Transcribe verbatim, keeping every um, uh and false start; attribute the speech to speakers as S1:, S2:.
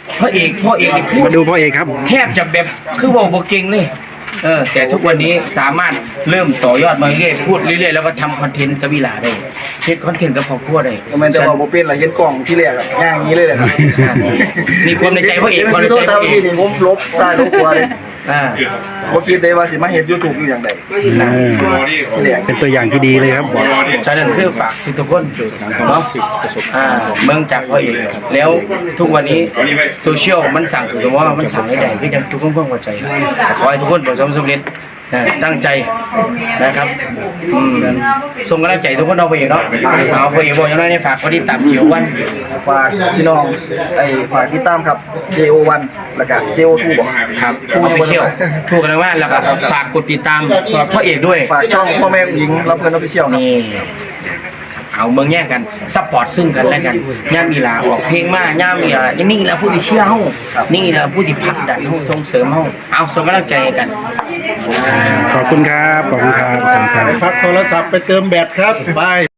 S1: พระเอกพ่อเอกนี่พูด
S2: มาดูพ่อเอกครับ
S1: แทบจะแบบคือบอกบอกเก่งเลยเออแต่ทุกวันนี้สามารถเริ่มต่อยอดมาเรื่อยๆพูดเรื่อยๆแล้วก็ทำคอนเทนต์กับวิลาได้เฮ็ดคอนเทนต์กับครอบครัวได้
S3: ทำไมแต่ว่าโมเป็นอะไรเห็นกล่องที่แรกอะย่างนี้เลยเลยครับ
S1: มีความในใจพ่อเอกความใน
S3: โท
S1: ใจ
S3: ษ
S1: พ่
S3: ทา
S1: อเอ
S3: ที่
S1: ก
S3: นี่ผมลบใช่ลบกลัวเลย
S1: อ่า
S3: ผมคิดได้ว่าสิมาเห็นยูทูบอยู่อย่างใด
S2: เออ
S3: ที่แรก
S2: เป็นตัวอย่างที่ดีเลยครับ
S1: ฉะนั้นคือฝากทุกคนเนาะอ่าเมืองจากพ่อเอกแล้วทุกวันนี้โซเชียลมันสั่งถูกต้องว่ามันสั่งได้ใหญ่ก็ยังทุกคนเพิ่งเข้าใจขอให้ทุกคนประสบความสำเร็จตั้งใจนะครับอืมส่งกำลังใจทุกคนเอาไปอีกเนาะเอาไปอีกบอกอย่างน้อยนี่ฝากคนที่ตามเกี่ยววัน
S3: ฝากพี่น้องไอ้ฝากติดตามครับ เจ โอ วัน แล้วก็ เจ โอ ทู บอก
S1: ครับทูออฟฟิเชียลทูกันว่าแล้วก็ฝากกดติดตามพ่อเอกด้วย
S3: ฝากช่องพ่อแม่หญิงรับเพื่อนออฟฟิเชียลครับ
S1: นี่เอาเมืองแย่งกันซัพพอร์ตซึ่งกันและกันย่ามมีลาออกเพลงมาย่ามมีลานี่แหละผู้ที่เชื่อเฮานี่แหละผู้ที่ผลักดันเฮาส่งเสริมเฮาเอาส่งกำลังใจให้กัน
S2: ขอบคุณครับ ขอบคุณครับขอบคุณครับ
S4: พักโทรศัพท์ไปเติมแบตครับบาย